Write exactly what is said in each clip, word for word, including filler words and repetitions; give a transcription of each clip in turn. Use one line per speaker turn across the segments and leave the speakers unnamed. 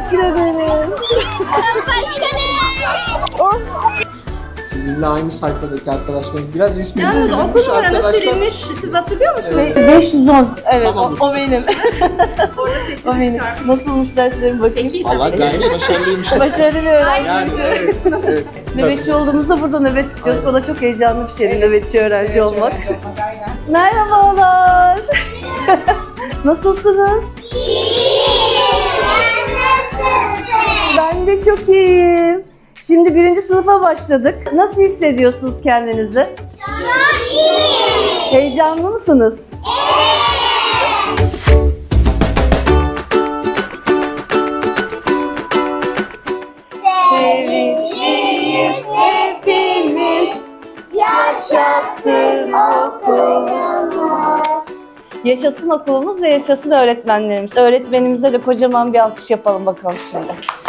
teşekkür ederim. Oh.
Sizinle aynı sayfadaki arkadaşlarım biraz ismi
Yalnız
silinmiş
okul numaranız
arkadaşlar.
silinmiş. Siz hatırlıyor musunuz?
Şey, beş yüz on. Evet,
Tamam,
o, o benim.
Orada
O
setini
benim.
çıkarmışsınız.
Nasılmış derslerim bakayım.
Peki
Allah
tabii.
gayet başarılıymış.
Başarılı bir öğrenci.
Yani evet, evet.
Nöbetçi olduğumuzda burada nöbet tutacağız. O da çok heyecanlı bir şeydi nöbetçi öğrenci olmak. Merhabalar. Nasılsınız? Ben de çok iyiyim. Şimdi birinci sınıfa başladık. Nasıl hissediyorsunuz kendinizi?
Çok iyi.
Heyecanlı mısınız? Sevinçliyiz hepimiz. Yaşasın okulumuz. Yaşasın okulumuz ve yaşasın öğretmenlerimiz. Öğretmenimize de kocaman bir alkış yapalım bakalım şimdi.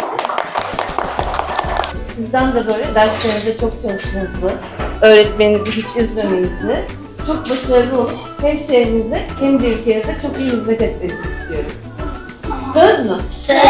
Sizden de böyle derslerinizde çok çalışmanızı, öğretmeninizi hiç üzmemenizi, çok başarılı olup hem şehrinize hem de ülkenize çok iyi hizmet etmenizi istiyorum. Söz mü?
Söz.